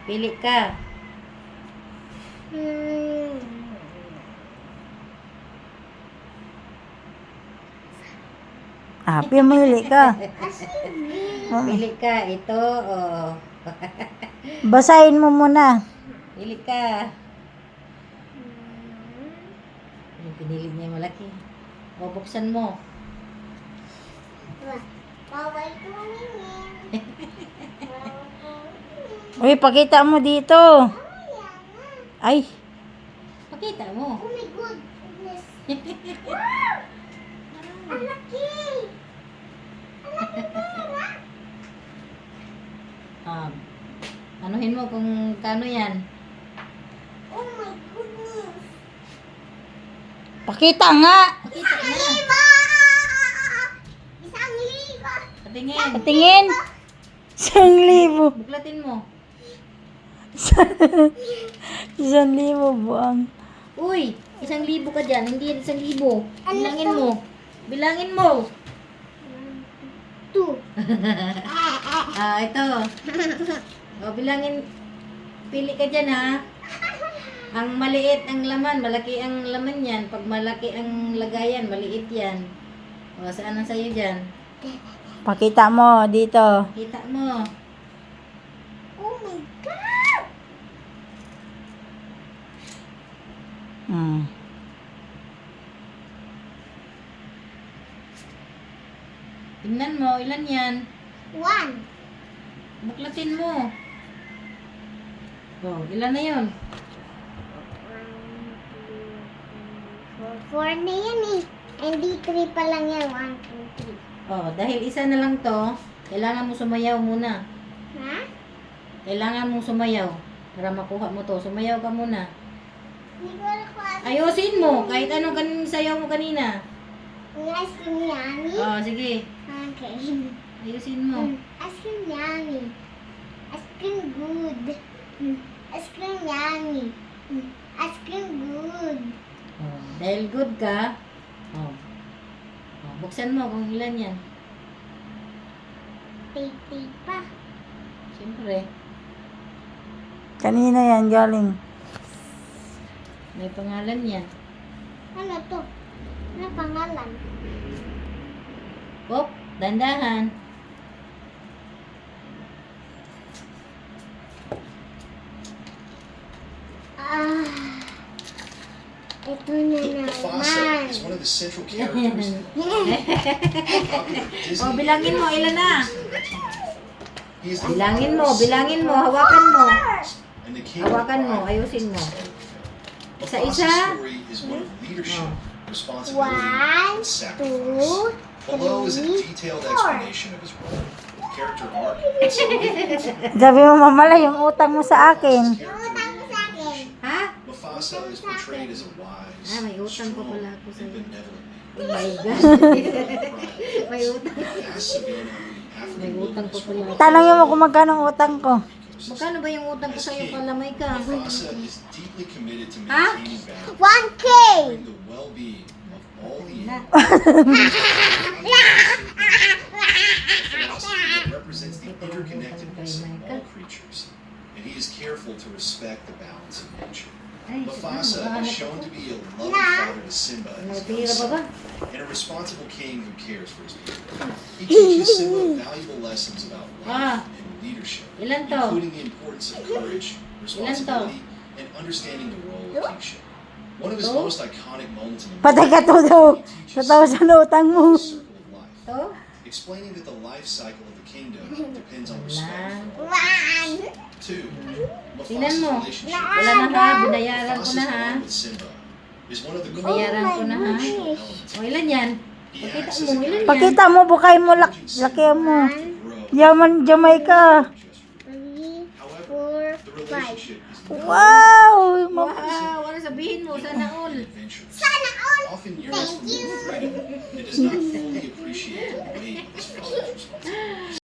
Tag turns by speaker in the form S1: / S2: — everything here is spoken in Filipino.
S1: Pili ka.
S2: Pumili ka.
S1: Pili ka. Ito, oh.
S2: Basahin mo muna.
S1: Pili ka. Yung pinili niya malaki. O, buksan mo.
S3: Bawal ko mamingin.
S2: Uy, pakita mo dito. Ay,
S1: Pakita mo.
S3: Oh my goodness. Wow! Ang laki! Ang laki pera!
S1: Anuhin mo kung kano yan.
S3: Oh my goodness.
S2: pakita nga.
S1: Pakita na.
S3: Liba! Isang liba!
S1: Patingin.
S2: Patingin. 1,000.
S1: Buklatin mo.
S2: 1,000 buang.
S1: Uy, 1,000 ka dyan. Hindi yan 1,000. Bilangin
S3: to?
S1: mo. Bilangin mo.
S3: 2.
S1: Ito. O, bilangin. Pili ka dyan, ha. Ang maliit ang laman, malaki ang laman yan. Pag malaki ang lagayan, maliit yan. O, saan ang sayo dyan?
S2: Pakita mo dito.
S1: Kita mo.
S3: Oh my God!
S1: Tingnan mo, ilan yan?
S3: 1.
S1: Buklatin mo. O, ilan na yun?
S3: 4 na yan eh. Hindi 3 pa lang yan. 1, 2, 3.
S1: O, dahil isa na lang to, kailangan mo sumayaw muna.
S3: Ha?
S1: Kailangan mong sumayaw para makuha mo to. Sumayaw ka muna.
S3: Hindi ko alam kung ano.
S1: Ayusin mo, kahit anong sayaw mo kanina.
S3: Yung ice cream yummy?
S1: O, sige.
S3: Okay.
S1: Ayusin mo.
S3: Ice cream yummy. Ice cream good. Ice cream yummy. Ice cream good.
S1: O, dahil good ka, o, buksan mo kung ilan yan.
S3: Tay pa.
S1: Siyempre,
S2: Kanina yan galing.
S1: may pangalan yan.
S3: Ano to? Ano pangalan?
S1: Hop, dandahan.
S3: Ito na
S4: Mufasa
S3: naman.
S4: is one of the central characters of popular
S1: O,
S4: Disney.
S1: bilangin mo, ilan na?
S4: He is the
S1: Bilangin mo, hawakan mo.
S4: and the king of
S1: Hawakan mo,
S4: pride.
S1: ayusin mo.
S4: Mufasa's
S1: Isa-isa.
S4: story is one of leadership, responsibility,
S3: 1,
S4: and sacrifice.
S3: 2,
S4: Below is a
S3: 3,
S4: detailed
S3: 4.
S4: explanation of his role, character arc, and significance.
S2: Sabi mo, mamala yung utang mo sa akin.
S4: Mufasa's character
S3: Utang mo sa akin.
S1: Ha?
S4: Mufasa is portrayed as a wise,
S1: May utang pa
S4: strong,
S1: pala ako
S4: and
S1: sa'yo.
S4: benevolent
S1: Oh
S4: man.
S1: my God. May utang.
S4: Vast savanna of the African
S1: May utang pa
S4: wilderness
S1: pala.
S2: Tanongin mo kung magkano ang utang ko.
S1: Magkano ba yung utang ko sa'yo? Palamay ka.
S4: Mufasa is deeply committed to
S1: Huh?
S4: maintaining balance
S3: 1K.
S4: ensuring the well-being of all the animals. Philosophy that represents the interconnectedness of all creatures, and he is careful to respect the balance of nature.
S1: Ay,
S4: Mufasa is shown to be a loving father to Simba and his
S1: May
S4: young
S1: pira pa ba?
S4: son, and a responsible king who cares for his people. He teaches Simba valuable lessons about life and leadership,
S1: Ilan to?
S4: including the importance of courage, responsibility, and understanding the role of kingship. One of his
S1: To?
S4: most iconic moments in the
S2: Patay ka to daw. Sa sa utang mo.
S4: circle of life,
S1: To?
S4: explaining that the life cycle of the kingdom depends on respect.
S1: Wala.
S3: 1.
S4: 2.
S1: Tingnan
S4: Mufasa's
S1: mo.
S4: relationship
S1: Wala na ha. Binayaran ko
S4: Mufasa's
S1: na ha.
S4: bond with Simba is one of the
S1: Binayaran ko na ha.
S4: crucial elements.
S1: O, ilan yan?
S4: He
S1: Pakita
S4: acts
S1: mo,
S4: as a
S1: ilan
S4: guide
S1: yan?
S2: Pakita mo, bukay mo, laki mo.
S4: to grow.
S2: Yaman, Jamaica.
S4: Just
S3: 3,
S4: However,
S3: 4,
S4: the
S3: 5.
S4: relationship is not
S2: Wow!
S1: Wow, ano sabihin mo? Sana all.
S4: adventurous.
S3: Sana all.
S4: Often yearns for more freedom. It does not fully appreciate the weight of his father's responsibility.